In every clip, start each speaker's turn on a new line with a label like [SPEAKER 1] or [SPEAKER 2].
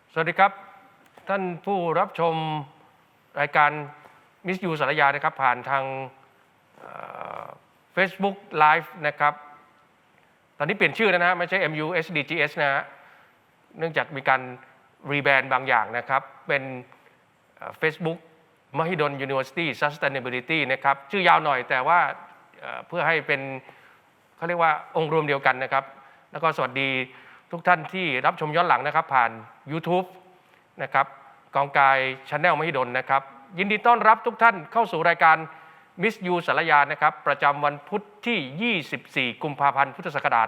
[SPEAKER 1] สวัสดีครับท่านผู้รับชมรายการมิสยูสารยานะครับผ่านทางFacebook Live นะครับตอนนี้เปลี่ยนชื่อแล้วนะไม่ใช่ MUSDGS นะฮะเนื่องจากมีการรีแบรนด์บางอย่างนะครับเป็นFacebook Mahidol University Sustainability นะครับชื่อยาวหน่อยแต่ว่าเพื่อให้เป็นเขาเรียกว่าองค์รวมเดียวกันนะครับแล้วก็สวัสดีทุกท่านที่รับชมย้อนหลังนะครับผ่าน YouTube นะครับกองกาย Channel มหิดลนะครับยินดีต้อนรับทุกท่านเข้าสู่รายการมิสยูสารยานะครับประจำวันพุธที่ 24 กุมภาพันธ์พุทธศักราช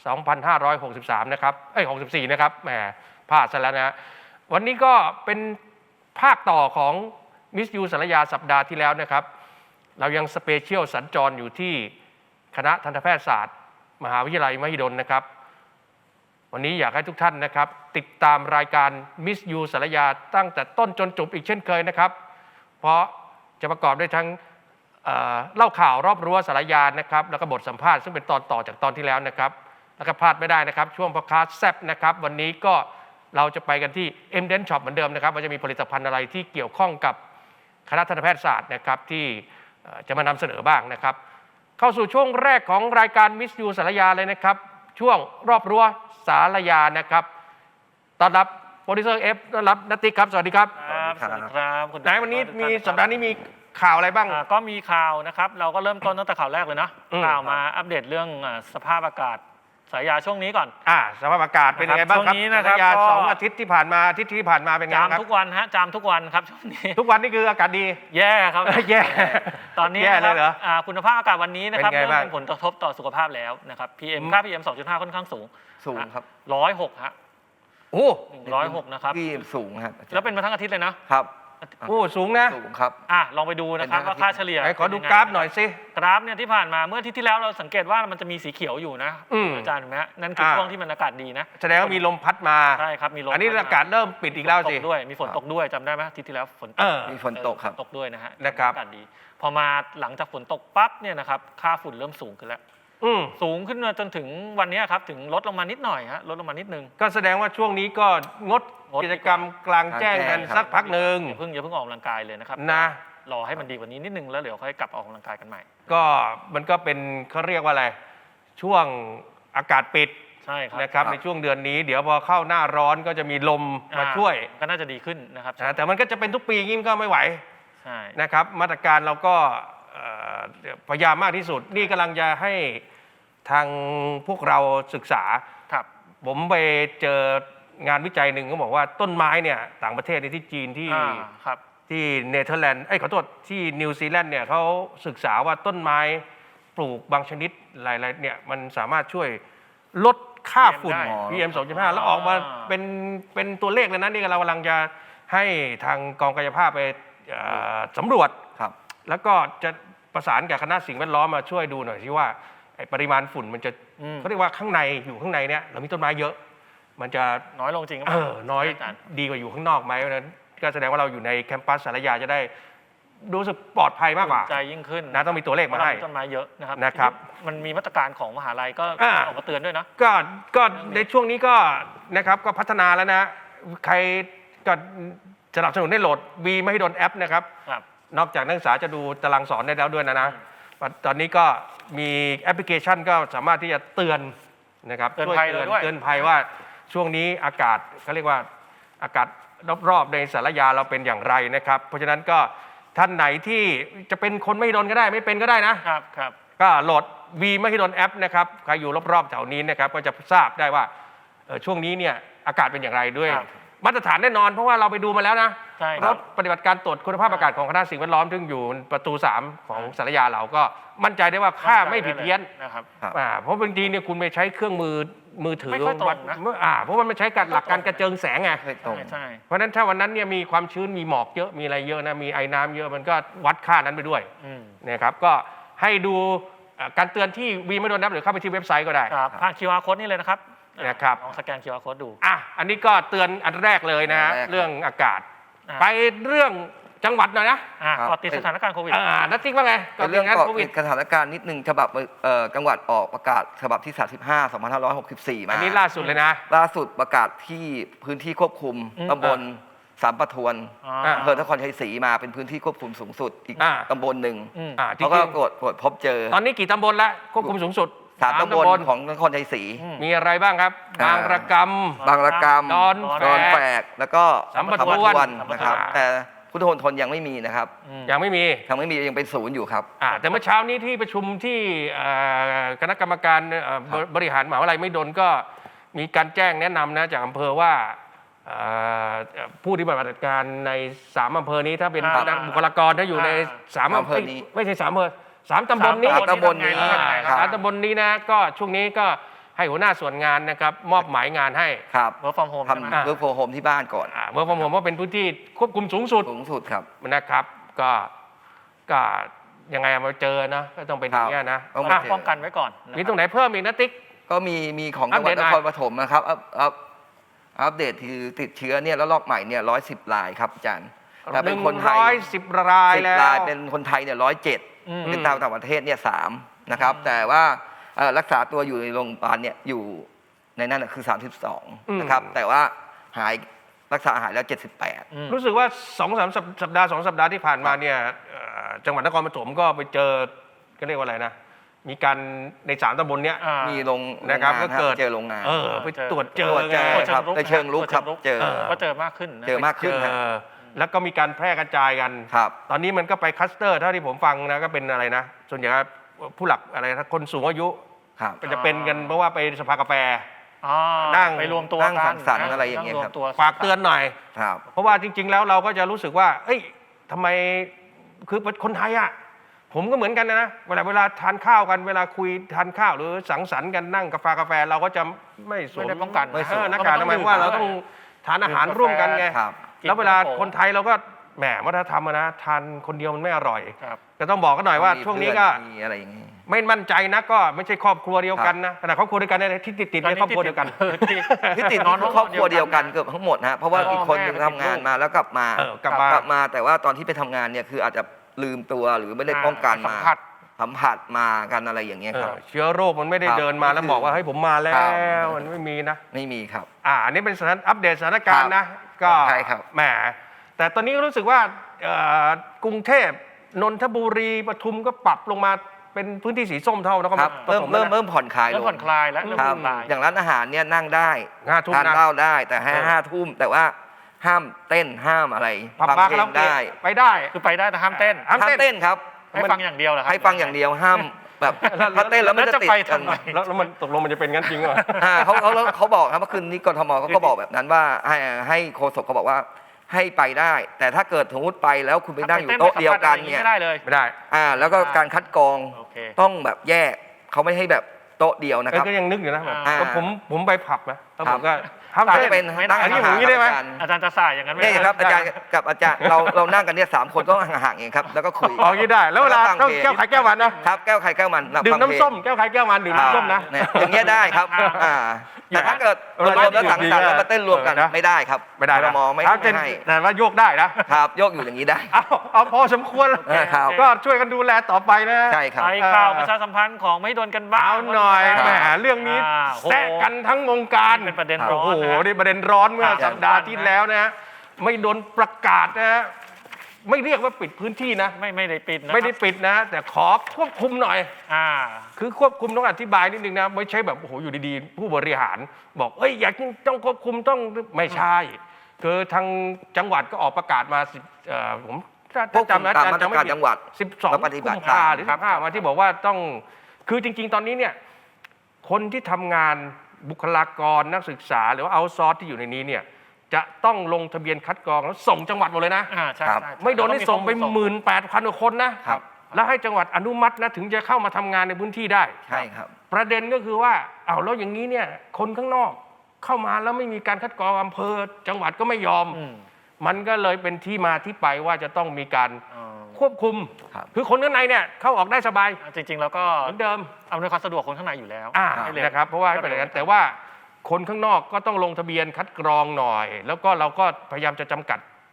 [SPEAKER 1] 2563 นะครับ64 นะครับแหมพลาดซะแล้วนะวันนี้ก็เป็นภาคต่อของมิสยูสารยาสัปดาห์ที่แล้วนะครับเรายังสเปเชียลสัญจรอยู่ที่คณะทันตแพทยศาสตร์มหาวิทยาลัยมหิดลนะครับวันนี้อยากให้ทุกท่านนะครับติดตามรายการมิสยูสารยาตั้งแต่ต้นจนจบอีกเช่นเคยนะครับเพราะจะประกอบด้วยทั้งเล่าข่าวรอบรั้วสารยานะครับแล้วก็บทสัมภาษณ์ซึ่งเป็นตอนต่อจากตอนที่แล้วนะครับแล้วก็พลาดไม่ได้นะครับช่วงพอดคาสต์แซ่บนะครับวันนี้ก็เราจะไปกันที่ M-Dent Shop เหมือนเดิมนะครับว่าจะมีผลิตภัณฑ์อะไรที่เกี่ยวข้องกับคณะทันตแพทยศาสตร์นะครับที่จะมานำเสนอบ้างนะครับเข้าสู่ช่วงแรกของรายการมิสยูสารยาเลยนะครับช่วงรอบรั้วสารยานะครับต้อนรับโปรดิวเซอร์เอฟต้อนรับณติ๊กครับสวัสดีครับ
[SPEAKER 2] สวัสดีครับคุณ
[SPEAKER 1] ไหนวันนี้มีสัปดาห์นี้มีข่าวอะไรบ้าง
[SPEAKER 2] ก็มีข่าวนะครับเราก็เริ่มต้นตั้งแต่ข่าวแรกเลยนะข่าวมาอัปเดตเรื่องสภาพอากาศสายยาช่วงนี้ก่อน
[SPEAKER 1] สภาพอากาศเป็นยังไงบ้างครับสายยา2 อาทิตย์ที่ผ่านมาเป็นไงครับ
[SPEAKER 2] จามทุกวันฮะจามทุกวันครับช่วงนี้
[SPEAKER 1] ทุกวันนี่คืออากาศดี
[SPEAKER 2] แย่ครับ
[SPEAKER 1] แย่
[SPEAKER 2] ตอนนี้
[SPEAKER 1] เลยเหรอ
[SPEAKER 2] คุณภาพอากาศวันนี้นะครับเริ่มเป็นผลกระทบต่อสุขภาพแล้วนะครับค่า PM 2.5 ค่อนข้างสูง
[SPEAKER 3] ครับ
[SPEAKER 2] 106ฮะ
[SPEAKER 1] โอ้
[SPEAKER 2] 106นะครับ
[SPEAKER 3] ที่สูงครับ
[SPEAKER 2] แล้วเป็นมาทั้งอาทิตย์เลยนะครับ
[SPEAKER 1] โอ้สูงนะ
[SPEAKER 3] สูงครับ
[SPEAKER 2] ลองไปดูนะครับว่าค่าเฉลี่ย
[SPEAKER 1] ขอดูกราฟหน่อยสิ
[SPEAKER 2] กราฟเนี่ยที่ผ่านมาเมื่ออาทิตย์ที่แล้วเราสังเกตว่ามันจะมีสีเขียวอยู่นะอาจารย์เห็นไหมนั่นคือช่วงที่มันอากาศดีนะ
[SPEAKER 1] แสดงว่ามีลมพัดมา
[SPEAKER 2] ใช่ครับมีลม
[SPEAKER 1] อันนี้อากาศเริ่มปิดอีกแล้วสิ
[SPEAKER 2] ด้วยมีฝนตกด้วยจำได้ไหมอาทิตย์ที่แล้วฝนตก
[SPEAKER 3] มีฝนตกครับ
[SPEAKER 2] ตกด้วยนะฮะ
[SPEAKER 1] อ
[SPEAKER 2] ากาศดีพอมาหลังจากฝนตกปั๊บเนี่ยนะครับค่าฝุ่นเริ่มสูงขึ้นแล้วสูงขึ้นมาจนถึงวันนี้ครับถึงลดลงมานิดหน่อยฮะลดลงมานิดนึง
[SPEAKER 1] ก็แสดงว่าช่วงนี้ก็งดกิจกรรมกลางแจ้งกันสักพักหนึ่ง
[SPEAKER 2] อย่าเพิ่งออกกำลังกายเลยนะครับ
[SPEAKER 1] นะ
[SPEAKER 2] รอให้มันดีกว่านี้นิดนึงแล้วเดี๋ยวค่อยกลับออกกำลังกายกันใหม่
[SPEAKER 1] ก็มันก็เป็นเขาเรียกว่าอะไรช่วงอากาศปิด
[SPEAKER 2] ใช่ครับ
[SPEAKER 1] นะครับในช่วงเดือนนี้เดี๋ยวพอเข้าหน้าร้อนก็จะมีลมมาช่วย
[SPEAKER 2] ก็น่าจะดีขึ้นนะครับ
[SPEAKER 1] แต่มันก็จะเป็นทุกปีงี้ก็ไม่ไหว
[SPEAKER 2] ใช่
[SPEAKER 1] นะครับมาตรการเราก็พยายามมากที่สุดนี่กำลังจะให้ทางพวกเราศึกษาผมไปเจองานวิจัยหนึ่งเขาบอกว่าต้นไม้เนี่ยต่างประเทศในที่จีนที่เนเธอร์แลนด์ขอโทษที่นิวซีแลนด์เนี่ยเขาศึกษาว่าต้นไม้ปลูกบางชนิดหลายๆเนี่ยมันสามารถช่วยลดค่าฝุ่น PM 2.5 แล้วออกมาเป็นตัวเลขเลยนะนี่เรากำลังจะให้ทางกองกายภาพไปสำรวจแล้วก็จะประสานกับคณะสิ่งแวดล้อมมาช่วยดูหน่อยที่ว่าปริมาณฝุ่นมันจะเขาเรียกว่าข้างในอยู่ข้างในเนี่ยเรามีต้นไม้เยอะมันจะ
[SPEAKER 2] น้อยลงจริง
[SPEAKER 1] น้อยดีกว่าอยู่ข้างนอกไหมเพราะฉะนั้นก็แสดงว่าเราอยู่ในแคมปัสสารยาจะได้รู้สึกปลอดภัยมากกว่า
[SPEAKER 2] ใจยิ่งขึ้น
[SPEAKER 1] นะต้องมีตัวเลขมาให้
[SPEAKER 2] ต้นไม้เยอะนะครับมันมีมาตรการของมหาลัยก็ออกมาเตือนด้วยนะ
[SPEAKER 1] ก็ในช่วงนี้ก็นะครับก็พัฒนาแล้วนะใครก็สนับสนุนให้โหลด V ไม่ให้โดนแอปนะครับนอกจากนักศึกษาจะดูตารางสอนได้แล้วด้วยนะตอนนี้ก็มีแอปพลิเคชันก็สามารถที่จะเตือนนะครับ
[SPEAKER 2] เตือน
[SPEAKER 1] ภัยว่าช่วงนี้อากาศเขาเรียกว่าอากาศรอบๆในสารยาเราเป็นอย่างไรนะครับเพราะฉะนั้นก็ท่านไหนที่จะเป็นคนไม่โดนก็ได้ไม่เป็นก็ได้
[SPEAKER 2] นะครับ
[SPEAKER 1] ก็โหลด V ไม่โดนแอปนะครับใครอยู่รอบๆแถวนี้นะครับก็จะทราบได้ว่าช่วงนี้เนี่ยอากาศเป็นอย่างไรด้วยมาตรฐานแน่นอนเพราะว่าเราไปดูมาแล้วนะรถปฏิบัติการตรวจคุณภาพอากาศของคณะสิ่งแวดล้อมซึ่งอยู่ประตู3ของสารยาเราก็มั่นใจได้ว่าค่าไม่ผิดเพี้ยน
[SPEAKER 2] นะครับ
[SPEAKER 1] เพราะบางทีเนี่ยคุณไปใช้เครื่องมือถือวัดเพราะมันไม่ใช้หลักการกระเจิงแสงไงเพราะฉะนั้นถ้าวันนั้นเนี่ยมีความชื้นมีหมอกเยอะมีอะไรเยอะนะมีไอ้น้ำเยอะมันก็วัดค่านั้นไปด้วยนะครับก็ให้ดูการเตือนที่วีไม่โดนนับหรือเข้าไปที่เว็บไซต์ก็ได้
[SPEAKER 2] ผ่าน QR Code นี่เลยนะครับลองสแกน QR Code ดู
[SPEAKER 1] อันนี้ก็เตือนอันแรกเลยนะเรื่องอากาศไปเรื่องจังหวัดหน่อยนะ
[SPEAKER 3] ครับ
[SPEAKER 2] ก็ติดสถานการณ์โควิด
[SPEAKER 1] นัทติ๊กว่าไง
[SPEAKER 3] เป็นเรื่อง
[SPEAKER 1] งาน
[SPEAKER 3] เกาะ
[SPEAKER 1] โควิ
[SPEAKER 3] ติ
[SPEAKER 1] ด
[SPEAKER 3] ดสถานการณ์นิดนึงฉบับจังหวัดออกประกาศฉบับที่ 35 2564 มา
[SPEAKER 1] อันนี้ล่าสุดเลยนะ
[SPEAKER 3] ล่าสุดประกาศที่พื้นที่ควบคุม
[SPEAKER 2] อืม
[SPEAKER 3] ตำบลสามปะทวน
[SPEAKER 2] อ่า
[SPEAKER 3] อำเภอนครชัยศรีมาเป็นพื้นที่ควบคุมสูงสุดอีก
[SPEAKER 1] อ่า
[SPEAKER 3] ตำบลหนึ่ง
[SPEAKER 2] อืม
[SPEAKER 1] จริ
[SPEAKER 3] เขาก็
[SPEAKER 1] ง
[SPEAKER 3] ตรวจพบเจอ
[SPEAKER 1] ๆตอนนี้กี่ตำบลแล้วควบคุมสูงสุด
[SPEAKER 3] สามตำบลของนครชัยศรี
[SPEAKER 2] อืม
[SPEAKER 1] มีอะไรบ้างครับ
[SPEAKER 3] อ่า
[SPEAKER 1] บางระก
[SPEAKER 3] บางระกำ
[SPEAKER 1] ดอน
[SPEAKER 3] ดอน
[SPEAKER 1] แฝ
[SPEAKER 3] แฝ
[SPEAKER 1] ก
[SPEAKER 3] กแล้วก็
[SPEAKER 1] สามปะทวน
[SPEAKER 3] นะครับ แต่พุทธมณฑลยังไม่มีนะครับ
[SPEAKER 1] ำยังไม่มี
[SPEAKER 3] ยังเป็นศูนย์อยู่ครับ
[SPEAKER 1] แต่เมื่อเช้านี้ที่ประชุมที่คณะกรรมการบริหารมหาวิทยาลัยไม่ดนก็มีการแจ้งแนะนำนะจากอำเภอว่าผู้ที่ปฏิบัติการใน3อำเภอนี้ถ้าเป็น
[SPEAKER 2] อ่า
[SPEAKER 1] บุคลากรถ้าอยู่ใน3อำเภอ
[SPEAKER 3] อำเภอนี้
[SPEAKER 1] ไม่ใช่3อำเภอ3ตำบลนี้
[SPEAKER 3] สามตำบลนี้
[SPEAKER 2] ทำไง
[SPEAKER 3] ครับ
[SPEAKER 1] สามตำบลนี้นะก็ช่วงนี้ก็ให้หัวหน้าส่วนงานนะครับมอบหมายงานให้
[SPEAKER 3] ครับ
[SPEAKER 2] work from home ใช่ไหม
[SPEAKER 3] ทำเวิร์กโฟร์โฮมที่บ้านก่อน
[SPEAKER 1] เมื่อผมว่าเป็นพื้นที่ควบคุมสูงสุด
[SPEAKER 3] สูงสุดครับ
[SPEAKER 1] นะครับก็ยังไงมาเจอนะก็ต้องเป็นอย่างนี้ยนะ
[SPEAKER 3] ต้อง
[SPEAKER 1] อ่ะ
[SPEAKER 2] ป้องกันไว้ก่อนนะ
[SPEAKER 1] มีตรงไหนเพิ่มอีกนะติ๊ก
[SPEAKER 3] ก็มีของจังหวัด
[SPEAKER 1] อัปเดตหน่
[SPEAKER 3] น
[SPEAKER 1] อย
[SPEAKER 3] ครปฐมนะครับอัปเดตคือติดเชื้อเนี่ยแล้วรอบใหม่เนี่ย110 รายครับอาจารย์แต่เป็นคนไทย
[SPEAKER 1] 110 ราย
[SPEAKER 3] 10
[SPEAKER 1] แล้ว
[SPEAKER 3] รายเป็นคนไทยเนี่ย107
[SPEAKER 2] อืม
[SPEAKER 3] เป็นต่างประเทศเนี่ย3นะครับแต่ว่ารักษาตัวอยู่ในโรงพยาบาลเนี่ยอยู่ในนั้นนะคือ 32 นะครับแต่ว่ารักษาหายแล้ว 78
[SPEAKER 2] อืม
[SPEAKER 1] รู้สึกว่า2-3 สัปดาห์2 สัปดาห์ที่ผ่านมาเนี่ยจังหวัดนครปฐมก็ไปเจอก็เรียกว่าอะไรนะมีการใน3ตำบลเนี้ย
[SPEAKER 2] อ่า
[SPEAKER 3] มีโรง
[SPEAKER 1] นะครับ
[SPEAKER 3] งา
[SPEAKER 1] ก็เกิด
[SPEAKER 3] เจอโรงงาน
[SPEAKER 1] ไปตรวจเจอ
[SPEAKER 3] ตรวจเจ
[SPEAKER 1] ไง
[SPEAKER 3] อครับในเชิงลุกครับเจอ
[SPEAKER 2] ก็เจอมากขึ้นนะ
[SPEAKER 3] เจอมากขึ้น
[SPEAKER 1] เจอแล้วก็มีการแพร่กระจายกัน
[SPEAKER 3] ครับ
[SPEAKER 1] ตอนนี้มันก็ไปคลัสเตอร์เท่าที่ผมฟังนะก็เป็นอะไรนะ ส่วนใหญ่ก็ผู้หลักอะไรนะคนสูงอายุ
[SPEAKER 3] ครับ
[SPEAKER 1] ก็จะเป็นกันเพราะว่าไปสภากาแฟ
[SPEAKER 2] อ๋อ
[SPEAKER 1] นั่ง
[SPEAKER 2] ไปรวมตัว
[SPEAKER 3] นั่ง
[SPEAKER 2] กั
[SPEAKER 3] สังสรรค์อะไรอย่างเงี้ย
[SPEAKER 2] นั่
[SPEAKER 3] ครับ
[SPEAKER 2] วมตัว
[SPEAKER 1] ฝากเตือนหน่อย
[SPEAKER 3] ครับ
[SPEAKER 1] เพราะว่าจริง ๆ แล้วเราก็จะรู้สึกว่า เอ้ยทำไมคือคนไทยอ่ะผมก็เหมือนกันนะเวลาทานข้าวกันเวลาคุยทานข้าวหรือสังสรรค์กันนั่งกาแฟเราก็จะไม่สว
[SPEAKER 2] ไม่
[SPEAKER 1] ม
[SPEAKER 2] ได้ป้องกัน
[SPEAKER 3] ไม่สวม
[SPEAKER 1] หน้ากากทำไมยเพราะว่าเราต้องทานอาหารร่วมกันไง
[SPEAKER 3] ครับ
[SPEAKER 1] แล้วเวลาคนไทยเราก็แหมวัฒนธรรมอะนะทานคนเดียวมันไม่อร่อย
[SPEAKER 2] ครับ
[SPEAKER 1] ก็ต้องบอกกันหน่อยว่าช่วงนี้ก็
[SPEAKER 3] มีอะไรอย่างงี้
[SPEAKER 1] ไม่มั่นใจนะก็ไม่ใช่ครอบครัวเดียวกันนะขณะครอบครัวเดียวกันเนี่ยที่ติดในครอบครัวเดียวกัน
[SPEAKER 3] ที่ติดนอนครอบครัวเดียวกันเกือบทั้งหมดนะเพราะว่าอีกคนหนึงทำงานมาแล้วกลับมา
[SPEAKER 1] กลับมา
[SPEAKER 3] แต่ว่าตอนที่ไปทำงานเนี่ยคืออาจจะลืมตัวหรือไม่ได้ป้องกัน
[SPEAKER 2] สั
[SPEAKER 3] มาม
[SPEAKER 2] ผัส
[SPEAKER 3] สัมผัสมากันอะไรอย่างเงี้ยครับ
[SPEAKER 1] เชื้อโรคมันไม่ได้
[SPEAKER 3] ครับ
[SPEAKER 1] เดินมาแล้วบอกว่าเฮ้ยผมมาแล้
[SPEAKER 3] ครับ
[SPEAKER 1] วมันไม่มีนะ
[SPEAKER 3] ไม่มีครับ
[SPEAKER 1] อันนี้เป็นอัปเดตสถานการณ์นะก็
[SPEAKER 3] ใช่ครับ
[SPEAKER 1] แหมแต่ตอนนี้รู้สึกว่ากรุงเทพนนทบุรีปทุมก็ปรับลงมาเป็นพื้นที่สีส้มเท่านะครับ
[SPEAKER 3] เริ่มผ่อนคลายล
[SPEAKER 2] เริ่ม
[SPEAKER 3] ง
[SPEAKER 2] ผ่อนคลายแล้วเริ่ม
[SPEAKER 3] ครั
[SPEAKER 2] ผ่
[SPEAKER 3] บ
[SPEAKER 2] อนคลาย
[SPEAKER 3] อย่างร้านอาหารเนี่ยนั่งได้
[SPEAKER 1] 5 ทุ่ม
[SPEAKER 3] ทาน
[SPEAKER 1] นะ
[SPEAKER 3] เหล้าได้แต่ให้
[SPEAKER 1] เออ
[SPEAKER 3] 5 ทุ่มแต่ว่าห้ามเต้นห้ามอะไร
[SPEAKER 1] ผับ
[SPEAKER 3] ฟัง
[SPEAKER 1] บาร์
[SPEAKER 3] เพ
[SPEAKER 1] คา
[SPEAKER 3] ล
[SPEAKER 1] ราง โอเกะ
[SPEAKER 3] ได้
[SPEAKER 1] ไปได้
[SPEAKER 2] คือไปได้แต่ห้ามเต้น
[SPEAKER 1] ห้าม
[SPEAKER 3] ห้าม
[SPEAKER 1] เต้น
[SPEAKER 3] เต้นครับ
[SPEAKER 2] ให้ฟังอย่างเดียวเหรอครับ
[SPEAKER 3] ให้ฟังอย่างเดียวห้ามแบบถ้าเต้นแล้วมันจะ
[SPEAKER 2] แล้วจะ
[SPEAKER 3] ติด
[SPEAKER 2] ไป
[SPEAKER 3] กัน
[SPEAKER 2] ทำไม
[SPEAKER 1] แล้วมันตกลงมันจะเป็นงั้นจริงเหรอ
[SPEAKER 3] เขาบอกครับเมื่อคืนนี้กทมเขาก็บอกแบบนั้นว่าให้โฆษกเขาบอกว่าให้ไปได้ แต่ถ้าเกิดสมมติไปแล้วคุณไปนั่งอยู่โต๊ะเดียวกันเนี่ย
[SPEAKER 2] ไม่ได้เลย
[SPEAKER 1] ไม่ได้
[SPEAKER 3] แล้วก็การคัดกรอง
[SPEAKER 2] โอเค
[SPEAKER 3] ต้องแบบแยกเขาไม่ให้แบบโต๊ะเดียวนะครับ
[SPEAKER 1] ก็ยังนึกอยู่นะแบบ
[SPEAKER 3] อ่า
[SPEAKER 1] ก็ผมไปผับนะแล้วผมก็
[SPEAKER 3] ถ้า
[SPEAKER 1] ห้าม
[SPEAKER 3] จะ
[SPEAKER 1] เต้น
[SPEAKER 3] เป็น
[SPEAKER 2] ไม่ได้
[SPEAKER 3] นั่ง
[SPEAKER 1] อันนี้
[SPEAKER 3] ห่าง
[SPEAKER 1] ผมงี้ได้ไหม
[SPEAKER 3] ๆกัน
[SPEAKER 2] อาจารย์จะสายอย่างนั้นไม่
[SPEAKER 3] นี่
[SPEAKER 2] ได้
[SPEAKER 3] ครับอาจารย์กับอาจารย์เรานั่งกันเนี่ย3 คนก็ห่างๆเองครับแล้วก็คุย
[SPEAKER 1] อ๋องี้ได้แล้วเวลา
[SPEAKER 3] ฟัง
[SPEAKER 1] ต้อง
[SPEAKER 3] เพลง
[SPEAKER 1] แก้วไข่แก้วมันนะครับ
[SPEAKER 3] แก้วใครแก้วมัน
[SPEAKER 1] ดื่ม
[SPEAKER 3] ฟังเพลง
[SPEAKER 1] น้ำส้มแก้วไข่แก้วมันดื่มน้ำส้มนะ
[SPEAKER 3] เนี่ยอย่างเงี้ยได้ครับแต่ถ้าเกิดรวมแล้วสังสรรค์แล้วมาเต้นรวมกัน
[SPEAKER 1] นะ
[SPEAKER 3] ไม่ได้ครับ
[SPEAKER 1] ไม่ได้
[SPEAKER 3] ก
[SPEAKER 1] นะ
[SPEAKER 3] ทมไม่
[SPEAKER 1] ถ้าเป็น
[SPEAKER 3] ให้
[SPEAKER 1] แต่ว่าโยกได้นะครับ
[SPEAKER 3] โยกอยู่อย่างนี้ได้
[SPEAKER 1] เอาพอสมควร
[SPEAKER 3] ครับ
[SPEAKER 1] ก็ช่วยกันดูแลต่อไปนะ
[SPEAKER 3] ใช่ครับ
[SPEAKER 2] ไปข่าวประชาสัมพันธ์ของไม่โดนกันบ้าง
[SPEAKER 1] เอาหน่อย
[SPEAKER 3] ครับ
[SPEAKER 1] แหมเรื่องนี้
[SPEAKER 2] โอ้โห
[SPEAKER 1] แซะกันทั้งวงการ
[SPEAKER 2] เป็นประเด็นร้
[SPEAKER 1] โอ้
[SPEAKER 2] อน
[SPEAKER 1] โห
[SPEAKER 2] นะ
[SPEAKER 1] นี่ประเด็นร้อนเมื่อ
[SPEAKER 2] ครับ
[SPEAKER 1] สัปดาห์ที่แล้วนะฮะไม่โดนประกาศนะฮะไม่เรียกว่าปิดพื้นที่นะ
[SPEAKER 2] ไม่ได้ปิดนะ
[SPEAKER 1] ไม่ได้ปิดนะ แต่ขอควบคุมหน่อย
[SPEAKER 2] อ่า
[SPEAKER 1] คือควบคุมต้องอธิบายนิดนึงนะไม่ใช่แบบโอ้โหอยู่ดีๆ ผู้บริหาร บอกเอ้ยอยากต้องควบคุมต้องไม่ใช่คือทางจังหวัดก็ออกประกาศมาผมถ้า
[SPEAKER 3] ควบคุม
[SPEAKER 1] จำนะ
[SPEAKER 3] ตาม
[SPEAKER 1] อาจาร
[SPEAKER 3] มา
[SPEAKER 1] ย์
[SPEAKER 3] ตร
[SPEAKER 1] จำไม่
[SPEAKER 3] การ
[SPEAKER 1] ผิด
[SPEAKER 3] จังหวัด
[SPEAKER 1] 12
[SPEAKER 3] และปฏิบัติ
[SPEAKER 1] กุมภาหรือ15มาที่บอกว่าต้องคือจริง ๆ ตอนนี้เนี่ยคนที่ทำงานบุคลากรนักศึกษาหรือว่าเอาซอร์สที่อยู่ในนี้เนี่ยจะต้องลงทะเบียนคัดกรองแล้วส่งจังหวัดหมดเลยนะ
[SPEAKER 2] ใช่
[SPEAKER 3] ครับ
[SPEAKER 2] ใช่
[SPEAKER 1] ไม่โดนให้ส่งไป
[SPEAKER 2] ต้องมีข้อมูล
[SPEAKER 1] 18,000 กว่าคนนะครับ แล้วให้จังหวัดอนุมัตินะถึงจะเข้ามาทำงานในพื้นที่ได้
[SPEAKER 3] ใช่ครับ
[SPEAKER 1] ประเด็นก็คือว่าเอาแล้วอย่างนี้เนี่ยคนข้างนอกเข้ามาแล้วไม่มีการคัดกรองอำเภอจังหวัดก็ไม่ยอม
[SPEAKER 2] อืม
[SPEAKER 1] มันก็เลยเป็นที่มาที่ไปว่าจะต้องมีการ
[SPEAKER 2] อ๋อ
[SPEAKER 1] ควบคุม
[SPEAKER 3] ครับ
[SPEAKER 1] คือคนข้างในเนี่ยเข้าออกได้สบาย
[SPEAKER 2] จริงๆแล้วก็
[SPEAKER 1] เหมือนเดิม
[SPEAKER 2] อำนวยความสะดวกคนข้างในอยู่แล้ว ให้เร็ว
[SPEAKER 1] นะครับเพราะว่าให้เป็นอย่างนั้นแต่ว่าคนข้างนอกก็ต้องลงทะเบียนคัดกรองหน่อย แล้วก็เราก็พยายามจะจำกัด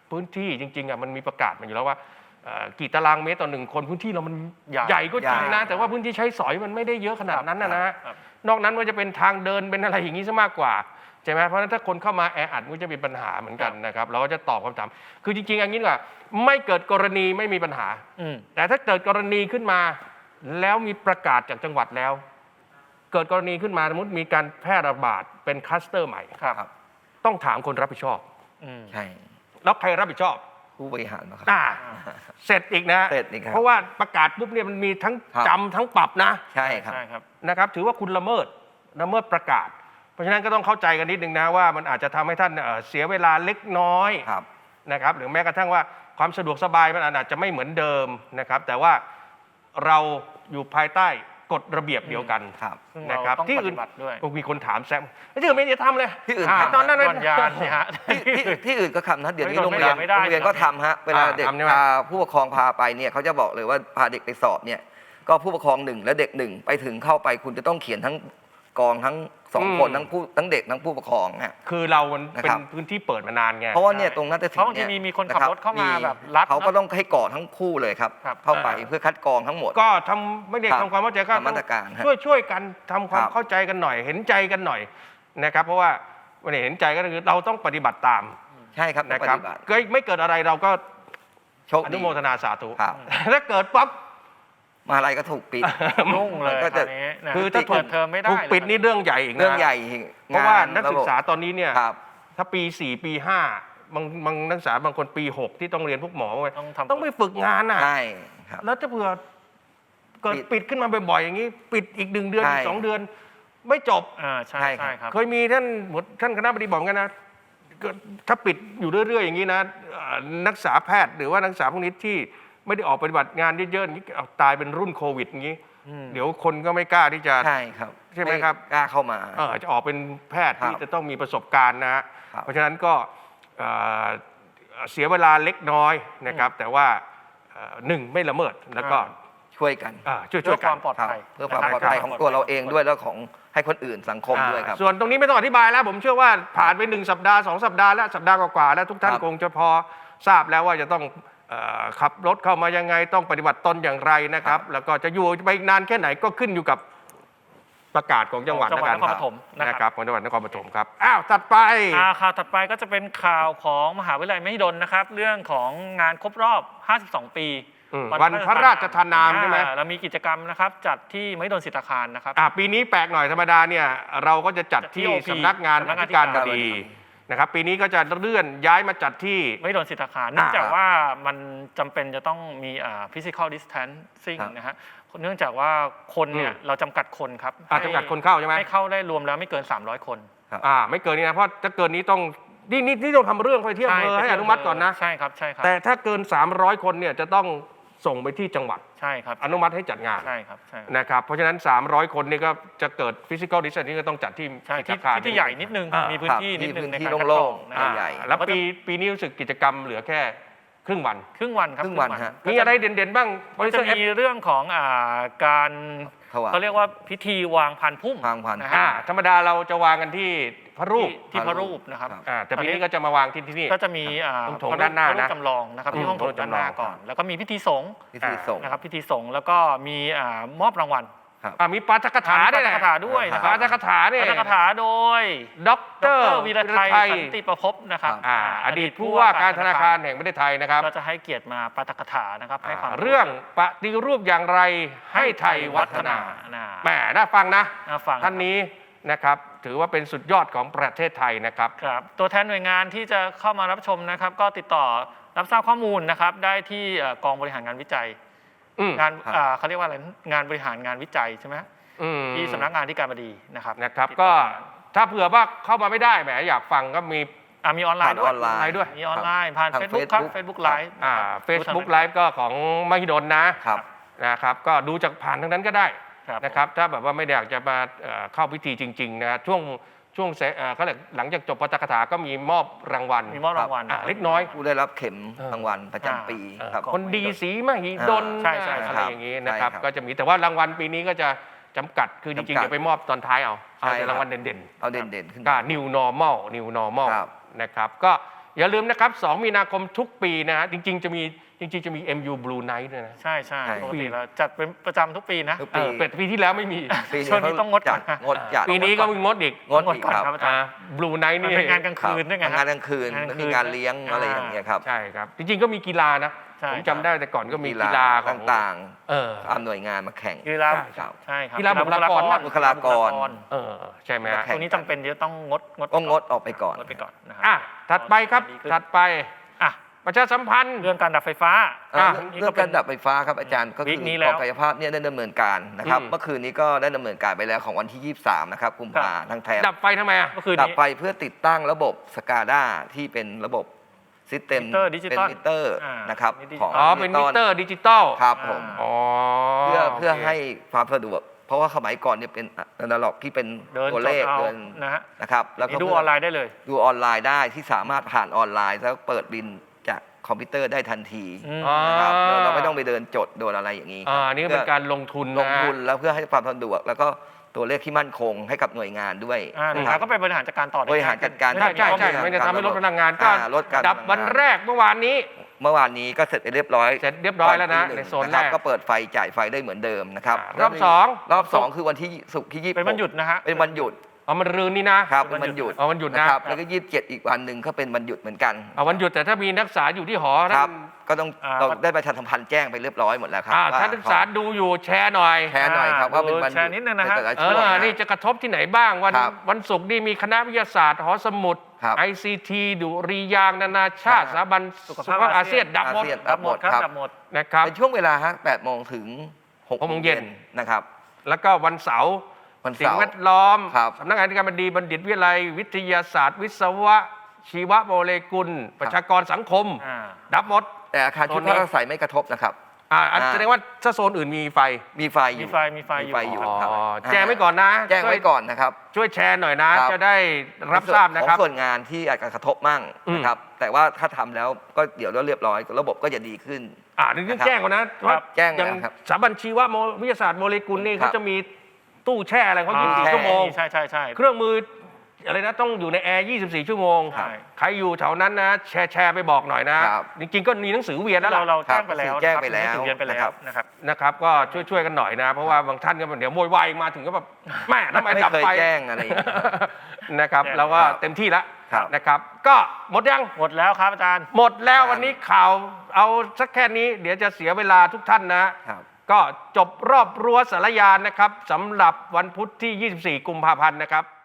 [SPEAKER 1] พื้นที่จริงๆมันมีประกาศมาอยู่แล้วว่ากี่ตารางเมตรต่อ1 คนพื้นที่เรามันใหญ่ก็จริงนะแต่ว่าพื้นที่ใช้สอยมันไม่ได้เยอะขนาดนั้นนะฮะนอกนั้นมันจะเป็นทางเดินเป็นอะไรอย่างนี้ซะมากกว่าใช่ไหมเพราะฉะนั้นถ้าคนเข้ามาแออัดมันจะมีปัญหาเหมือนกันนะครับเราก็จะตอบคำถามคือจริงๆอย่างนี้ว่าไม่เกิดกรณีไม่มีปัญหาแต่ถ้าเกิดกรณีขึ้นมาแล้วมีประกาศจากจังหวัดแล้วเกิดกรณีขึ้นมาสมมติมีการแพร่ระบาดเป็นคลัสเตอร์ใหม่ต้องถามคนรับผิดชอบ
[SPEAKER 3] ใช่
[SPEAKER 1] แล้วใครรับผิดชอบ
[SPEAKER 3] ผู้บริหารนะครับ
[SPEAKER 1] เสร็จอีกนะ
[SPEAKER 3] เสร็จอีกครับ
[SPEAKER 1] เพราะว่าประกาศปุ๊บเนี่ยมันมีทั้งจำทั้งปรับนะ
[SPEAKER 3] ใช่ครับ
[SPEAKER 1] นะครับถือว่าคุณละเมิดประกาศเพราะฉะนั้นก็ต้องเข้าใจกันนิดนึงนะว่ามันอาจจะทำให้ท่านเสียเวลาเล็กน้อยนะครับหรือแม้กระทั่งว่าความสะดวกสบายมันอาจจะไม่เหมือนเดิมนะครับแต่ว่าเราอยู่ภายใต้กฎระเบียบเดียวกันนะครับที่อื่นมีคนถามแซมที่อื่นไม่ได้ทำเลย
[SPEAKER 3] ที่อื่น
[SPEAKER 1] ตอนนั้น
[SPEAKER 2] ยานสิฮะ
[SPEAKER 3] ที่อื่นก็ทำนะเดี๋ยวนี้โรงเรียนก็ทำฮะเวลาเด็กพาผู้ปกครองพาไปเนี่ยเขาจะบอกเลยว่าพาเด็กไปสอบเนี่ยก็ผู้ปกครอง1และเด็ก1ไปถึงเข้าไปคุณจะต้องเขียนทั้งกองทั้ง2 คนทั้งเด็กทั้งผู้ปกครองฮะ
[SPEAKER 1] คือเราเป็นพื้นที่เปิดมานานไง
[SPEAKER 3] เพราะว่าเนี่ยตรงนั้นจะถึง
[SPEAKER 2] บางทีมีคนขับรถเข้ามาแบบรัด
[SPEAKER 3] เขาก็ต้องให้กรอกทั้งคู่เลยครับเข้าไปเพื่อคัดกรองทั้งหมด
[SPEAKER 1] ก็ทำไม่ได้ทำความเข้าใจก็ช่วยกันทำความเข้าใจกันหน่อยเห็นใจกันหน่อยนะครับเพราะว่าวันนี้เห็นใจก็คือเราต้องปฏิบัติตาม
[SPEAKER 3] ใช่ครับ
[SPEAKER 1] นะครับไม่เกิดอะไรเราก็อนุโมทนาสาธุถ้าเกิดปั๊บ
[SPEAKER 3] มาอะไรก็ถูกปิด
[SPEAKER 2] ยุ่งเลย
[SPEAKER 1] คือถ้าถูก
[SPEAKER 2] เทอมไม่ได้
[SPEAKER 1] ถูกปิดนี่เรื่องใหญ่อีกนะ
[SPEAKER 3] เรื่องใหญ่
[SPEAKER 1] เพราะว่านักศึกษาตอนนี้เนี่ยถ้าปี4ปี5บางนักศึกษาบางคนปี6ที่ต้องเรียนพวกหมอต้องไปฝึกงานอ่ะ
[SPEAKER 3] ใช่ครับ
[SPEAKER 1] แล้วถ้าเผื่อเกิดปิดขึ้นมาบ่อยๆอย่างนี้ปิดอีก1 เดือนอีก2 เดือนไม่จบ
[SPEAKER 2] ใช่ครับ
[SPEAKER 1] เคยมีท่านคณะบดีบอกกันนะถ้าปิดอยู่เรื่อยๆอย่างนี้นะนักศึกษาแพทย์หรือว่านักศึกษาพวกนี้ที่ไม่ได้ออกปฏิบัติงานเยอะๆอย่างนี้ตายเป็นรุ่นโควิดอย่างนี้เดี๋ยวคนก็ไม่กล้าที่จะ
[SPEAKER 3] ใช่ครับ
[SPEAKER 1] ใช่ไหมครับ
[SPEAKER 3] กล้าเข้ามา
[SPEAKER 1] จะออกเป็นแพทย์ที่จะต้องมีประสบการณ์นะฮะเพราะฉะนั้นก็เสียเวลาเล็กน้อยนะครับแต่ว่า1ไม่ละเมิดแล้วก็
[SPEAKER 3] ช่วยกัน
[SPEAKER 1] ช่วย
[SPEAKER 2] กันความปลอดภัย
[SPEAKER 3] เพื่อความปลอดภัยของตัวเราเองด้วยแล้วของให้คนอื่นสังคมด้วยครับ
[SPEAKER 1] ส่วนตรงนี้ไม่ต้องอธิบายแล้วผมเชื่อว่าผ่านไป1 สัปดาห์2 สัปดาห์แล้วสัปดาห์กว่าๆแล้วทุกท่านคงจะพอทราบแล้วว่าจะต้องขับรถเข้ามายังไงต้องปฏิบัติตนอย่างไรนะครับแล้วก็จะอยู่ไปนานแค่ไหนก็ขึ้นอยู่กับประกาศของจังหวัดนครปฐมนะครับของจังหวัดนครปฐมครับถัดไป
[SPEAKER 2] ข่าวถัดไปก็จะเป็นข่าวของมหาวิทยาลัยมหิดลนะครับเรื่องของงานครบรอบ52 ปี
[SPEAKER 1] วันพระราชทานนามใช่ไหม
[SPEAKER 2] เรามีกิจกรรมนะครับจัดที่มหิดลศิลปาคารนะครับ
[SPEAKER 1] ปีนี้แปลกหน่อยธรรมดาเนี่ยเราก็จะจัดที่สำนักงานอธิการบดีนะครับปีนี้ก็จะเลื่อนย้ายมาจัดที่
[SPEAKER 2] มหิดลศิลปาคารเนื่องจากว่ามันจำเป็นจะต้องมีphysical distancing นะฮะเนื่องจากว่าคนเนี่ยเราจำกัดคนครับ
[SPEAKER 1] จำกัดคนเข้าใช่ไหม
[SPEAKER 2] ให้เข้าได้รวมแล้วไม่เกิน300 คน
[SPEAKER 1] ไม่เกินนี้นะเพราะถ้าเกินนี้ต้องนี่ต้องทำเรื่องไปที่อำเภอให้อนุมัติก่อนนะ
[SPEAKER 2] ใช่ครับ
[SPEAKER 1] แต่ถ้าเกิน300 คนเนี่ยจะต้องส่งไปที่จังหวัด
[SPEAKER 2] ใช่ครับ
[SPEAKER 1] อนุมัติให้จัดงาน
[SPEAKER 2] ใช่ครับ
[SPEAKER 1] นะครับเพราะฉะนั้น300 คนนี่ก็จะเกิด physical distancing ก็ต้องจัด
[SPEAKER 2] ที่ใหญ่นิดนึงมีพื้นที่นิดนึงในการ
[SPEAKER 3] โล่งๆใหญ่
[SPEAKER 1] แล้วปีนี้รู้สึกกิจกรรมเหลือแค่ครึ่งวัน
[SPEAKER 2] ครับครึ่งวัน
[SPEAKER 1] มีอะไรเด่นๆบ้าง
[SPEAKER 2] จะมีเรื่องของการเขาเรียกว่าพิธีวางพานพุ่ม
[SPEAKER 1] ธรรมดาเราจะวางกันที่พระรูป
[SPEAKER 2] นะครับ
[SPEAKER 1] แต่ปีนี้ก็จะมาวางที่นี่
[SPEAKER 2] ก็จะมี
[SPEAKER 1] โถงด้านหน้านะ
[SPEAKER 2] จำลองนะครับที่ห้องโถงด้านหน้าก่อนแล้วก็มีพิธีสงฆ์นะครับพิธีสงฆ์แล้วก็มีมอบรางวัล
[SPEAKER 1] มีปาฐกถาด้วยนะ
[SPEAKER 2] ปาฐกถาด้วย
[SPEAKER 1] ปาฐกถาเนี่ย
[SPEAKER 2] ปาฐกถาโดยดร.วีระไทยสันติประภพนะครับ
[SPEAKER 1] อดีตผู้ว่าการธนาคารแห่งประเทศไทยนะครับ
[SPEAKER 2] ก็จะให้เกียรติมาปาฐกถานะครับให้ความ
[SPEAKER 1] เรื่องปฏิรูปอย่างไรให้ไทยวัฒนาแหมน่าฟังนะท่านนี้นะครับถือว่าเป็นสุดยอดของประเทศไทยนะครับ
[SPEAKER 2] ตัวแทนหน่วยงานที่จะเข้ามารับชมนะครับก็ติดต่อรับทราบข้อมูลนะครับได้ที่กองบริหารงานวิจัยงานเขาเรียกว่าอะไรงานบริหารงานวิจัยใช่ไหมที่สำนักงานที่การบดีนะครับ
[SPEAKER 1] ก็ถ้าเผื่อว่าเข้ามาไม่ได้แหมอยากฟังก็มี
[SPEAKER 2] ออนไลน์ด้วยมีออนไลน์ผ่าน Facebook ครับ Facebook Live
[SPEAKER 1] Facebook Live ก็ของมหิดลนะครับก็ดูจากผ่านทั้งนั้นก็ได้นะครับถ้าแบบว่าไม่อยากจะมาเข้าพิธีจริงๆนะช่วงเขาเรียกหลังจากจบปาฐกถาก็มีมอบรางวัลเล็กน้อย
[SPEAKER 3] ผู้ได้รับเข็มรางวัลประจำปี
[SPEAKER 1] คนดีสีมหิดลอะไรอย่างนี้นะครับก็จะมีแต่ว่ารางวัลปีนี้ก็จะจำกัดคือจริงๆจะไปมอบตอนท้ายเอารางวัลเด่น
[SPEAKER 3] เอาเด่นๆขึ้น
[SPEAKER 1] ก็ New Normal นะครับก็อย่าลืมนะครับ 2 มีนาคมทุกปีนะฮะจริงๆจะมี MU Blue Night ด้วยนะ
[SPEAKER 2] ใช่ปกติเราจัดเป็นประจำทุกปีนะ
[SPEAKER 3] ทุกปี
[SPEAKER 1] เป็ดปีที่แล้วไม่มี
[SPEAKER 2] ช่วงนี้ต้องงดก่อนนะ
[SPEAKER 3] งดจัด
[SPEAKER 1] ปีนี้ก็มีงดอีก
[SPEAKER 3] งดอีก
[SPEAKER 2] ก่อน
[SPEAKER 3] ครับ
[SPEAKER 2] ครับอาจารย์
[SPEAKER 1] Blue Night
[SPEAKER 2] มัน
[SPEAKER 1] นี่
[SPEAKER 2] เป็นงานกลางคืนด้วยไง
[SPEAKER 3] งานกลางคืนแล้วมีงานเลี้ยงอะไรอย่างเงี้ยครับ
[SPEAKER 1] ใช่ครับ จริงๆก็มีกีฬานะ
[SPEAKER 2] ใช่
[SPEAKER 1] ผมจำได้แต่ก่อนก็มีกีฬาของ
[SPEAKER 3] ต่าง
[SPEAKER 1] เออ
[SPEAKER 3] ๆตามหน่วยงานมาแข่ง
[SPEAKER 2] กีฬา
[SPEAKER 3] ครับ
[SPEAKER 2] ใช่ครับ
[SPEAKER 1] กีฬาบุคลากร
[SPEAKER 3] บุคลากร
[SPEAKER 1] ใช่ไหมฮะ
[SPEAKER 3] แข่
[SPEAKER 2] ตรงนี้จำเป็นจะต้องงด
[SPEAKER 3] ก็งดออกไปก่อน
[SPEAKER 2] งดไปก่อนนะครั
[SPEAKER 1] อ่ะถัดไปครับถัดไป
[SPEAKER 2] อ่ะ
[SPEAKER 1] ประชาสัมพันธ์
[SPEAKER 2] เรื่องการดับไฟฟ้า
[SPEAKER 3] เรื่องการดับไฟฟ้าครับอาจารย์ก็
[SPEAKER 2] วี
[SPEAKER 3] คือ
[SPEAKER 2] คนี้แล้ว
[SPEAKER 3] กองกายภาพเนี่ยได้ดำเนินการนะครับ
[SPEAKER 1] อืม
[SPEAKER 3] เมื่อคืนนี้ก็ได้ดำเนินการไปแล้วของวันที่ 23 นะครับกุมภาทั้งแถบ
[SPEAKER 1] ดับไฟทำไมอ่ะ
[SPEAKER 2] เมื่อคืน
[SPEAKER 3] ดับ
[SPEAKER 2] นี้
[SPEAKER 3] ไฟเพื่อติดตั้งระบบสกาด้าที่เป็นระบบซิสเต็ม
[SPEAKER 2] มิเตอร์ดิจิตอล
[SPEAKER 3] เป็นมิเตอร์
[SPEAKER 2] อ่าน
[SPEAKER 3] นะครับ
[SPEAKER 2] มิเตอร์ดิจิตอล
[SPEAKER 3] ของ
[SPEAKER 1] อ๋อเป็นมิเตอร์ดิจิตอล
[SPEAKER 3] ครับผม
[SPEAKER 1] อ๋อ
[SPEAKER 3] เพื่อ
[SPEAKER 1] โค
[SPEAKER 3] ให้ความสะดวก เพราะว่าสมัยก่อนเนี่ยเป็นอนาล็อกที่เป็น
[SPEAKER 2] เดิน
[SPEAKER 3] ตัว
[SPEAKER 2] จ
[SPEAKER 3] เล
[SPEAKER 2] ด
[SPEAKER 3] ข
[SPEAKER 2] เอา
[SPEAKER 3] เดิน
[SPEAKER 2] นะฮะ
[SPEAKER 3] นะครับแล้วก็
[SPEAKER 2] ดูออนไลน์ได้เลย
[SPEAKER 3] ดูออนไลน์ได้ที่สามารถผ่านออนไลน์แล้วเปิดบินจากคอมพิวเตอร์ได้ทันที
[SPEAKER 1] อ๋อ
[SPEAKER 3] นะครับเราไม่ต้องไปเดินจดโดนอะไรอย่างนี้
[SPEAKER 1] นี่ก็เป็นการลงทุน
[SPEAKER 3] ล
[SPEAKER 1] นะ
[SPEAKER 3] งทุนแล้วเพื่อให้ความสะดวกแล้วก็ตัวเลขที่มั่นคงให้กับหน่วยงานด้วย
[SPEAKER 2] หน่วยงานก็ไปบริหารจัดการต่อได้
[SPEAKER 3] บริหารจัดการ
[SPEAKER 1] ใช่ใช่ใช่
[SPEAKER 3] ข้อมูล
[SPEAKER 1] ไม่ได้ทำให้ลดพลังงานก็
[SPEAKER 3] ลดการ
[SPEAKER 1] ดับวันแรกเมื่อวานนี้
[SPEAKER 3] เมื่อวานนี้ก็เสร็จไปเรียบร้อย
[SPEAKER 1] เสร็จเรียบร้อยแล้วนะ
[SPEAKER 3] ตอ
[SPEAKER 1] ใน
[SPEAKER 3] ตี
[SPEAKER 1] โซน
[SPEAKER 3] ง
[SPEAKER 1] แรก
[SPEAKER 3] ก็เปิดไฟจ่ายไฟได้เหมือนเดิมนะครับ
[SPEAKER 1] รอบสอง
[SPEAKER 3] รอบสองคือวันที่ศุกร์ที่26
[SPEAKER 2] เป็นวันหยุดนะฮะ
[SPEAKER 3] เป็นวันหยุด
[SPEAKER 1] เอามันรืนนี่นะครับ
[SPEAKER 3] เป็นวันหยุด
[SPEAKER 1] เอาวันหยุดนะ
[SPEAKER 3] นะครับแล้วก็27อีกวันหนึ่งก็เป็นวันหยุดเหมือนกัน
[SPEAKER 1] เอาวันหยุดแต่ถ้ามีนักศึกษาอยู่ที่หอ
[SPEAKER 3] ครับ
[SPEAKER 1] ท่าน
[SPEAKER 3] ก็ต้องเราได้ประชาสัมพันธ์แจ้งไปเรียบร้อยหมดแล้วครับว่
[SPEAKER 1] ท่านนักศึกษาดูอยู่แชร์หน่อย
[SPEAKER 3] แชร์หน่อยครับว่าเป็นวันห
[SPEAKER 2] แช
[SPEAKER 3] ยุ
[SPEAKER 2] ร์นิดนึงนะฮะ
[SPEAKER 3] ใแต่ลช่วง
[SPEAKER 1] นี่จะกระทบที่ไหนบ้างวัน
[SPEAKER 3] ครับ
[SPEAKER 1] วันศุกร์นี่มีคณะวิทยาศาสตร์หอสมุด
[SPEAKER 3] ครับ
[SPEAKER 1] ICT ดุริยางค์นานาชาติ
[SPEAKER 3] ครับ
[SPEAKER 1] สถาบันสุขภาพอาเซียนดับหมด
[SPEAKER 3] อาเซียน
[SPEAKER 2] ดับหมดครับ
[SPEAKER 3] ครับ
[SPEAKER 2] ดับหมด
[SPEAKER 1] นะครับ
[SPEAKER 3] เป็นช่วงเวลาฮะ8โมงถึง6
[SPEAKER 1] โมงเย็น
[SPEAKER 3] นะครับ
[SPEAKER 1] แล้วก็วันเสาร์
[SPEAKER 3] วัน
[SPEAKER 1] สิ่ง
[SPEAKER 3] เสาร์
[SPEAKER 1] แวดล้อม
[SPEAKER 3] ครับ
[SPEAKER 1] สำนักงานการบดีบัณฑิตวิทยาลัย วิทยาศาสตร์ วิศวะ ชีวโมเลกุล ประชากรสังคม ดับหมด
[SPEAKER 3] แต่อาคารชุดพักอาศัยไม่กระทบนะครับ
[SPEAKER 1] แสดงว่าถ้าโซนอื่นมีไฟ
[SPEAKER 3] มีไฟอยู่
[SPEAKER 2] มีไฟอยู่
[SPEAKER 3] ครับ
[SPEAKER 1] แจ้งไว้ก่อนนะ
[SPEAKER 3] แจ้งไว้ก่อนนะครับ
[SPEAKER 1] ช่วยแชร์หน่อยนะ
[SPEAKER 3] ครับ
[SPEAKER 1] จะได้รับทราบนะครับ
[SPEAKER 3] ของส่วนงานที่อาจจะกระทบมั่ง
[SPEAKER 1] อืม
[SPEAKER 3] นะครับ แต่ว่าถ้าทำแล้วก็เดี๋ยวเรียบร้อยระบบก็จะดีขึ้น
[SPEAKER 1] นี่ต้อง
[SPEAKER 3] นะครับ
[SPEAKER 1] แจ้งก่อนนะว่า
[SPEAKER 3] แจ้ง
[SPEAKER 1] อย่าง
[SPEAKER 3] แล้วครับ
[SPEAKER 1] สถาบันชีววิทยาศาสตร์โมเลกุลนี่
[SPEAKER 3] ครั
[SPEAKER 1] เขา
[SPEAKER 3] บ
[SPEAKER 1] จะมีตู้แช่อะไรเขา
[SPEAKER 3] แช่
[SPEAKER 1] 24 ชั่วโมง
[SPEAKER 2] ใช่
[SPEAKER 1] เครื่องมืออะไรนะต้องอยู่ในแอร์ 24 ชั่วโมง
[SPEAKER 2] ใช่
[SPEAKER 1] ใครอยู่แถวนั้นนะแชร์ไปบอกหน่อยนะ
[SPEAKER 3] ครับ
[SPEAKER 1] จริงๆก็มีหนังสือเวียนแล้วล่ะ
[SPEAKER 2] เราแจ้งไปแล้ว
[SPEAKER 3] แจ้งไปแล้ว
[SPEAKER 2] ถึงเรียนไปแล้วนะครับ
[SPEAKER 1] นะครับก็ช่วยกันหน่อยนะ เพราะว่าบางท่านก็เดี๋ยวโวยวายมาถึงก็แบบแม่ทำไม
[SPEAKER 3] ไม่
[SPEAKER 1] ดับ
[SPEAKER 3] เคย
[SPEAKER 1] ไฟ
[SPEAKER 3] แจ้งอะไรอย่างเงี้ย
[SPEAKER 1] นะครับ
[SPEAKER 2] แจ้ง
[SPEAKER 1] เราก็
[SPEAKER 3] ครับ
[SPEAKER 1] เต็มที่แล้ว
[SPEAKER 3] ครับ
[SPEAKER 1] นะครับ ก็หมดยัง
[SPEAKER 2] หมดแล้วครับอาจารย์
[SPEAKER 1] หมดแล้ววันนี้ข่าวเอาสักแค่นี้ เดี๋ยวจะเสียเวลาทุกท่านนะ
[SPEAKER 3] ครับ
[SPEAKER 1] ก็จบรอบรั้วสารยานนะครับสำหรับวันพุธที่ 24 กุมภาพันธ์นะครับ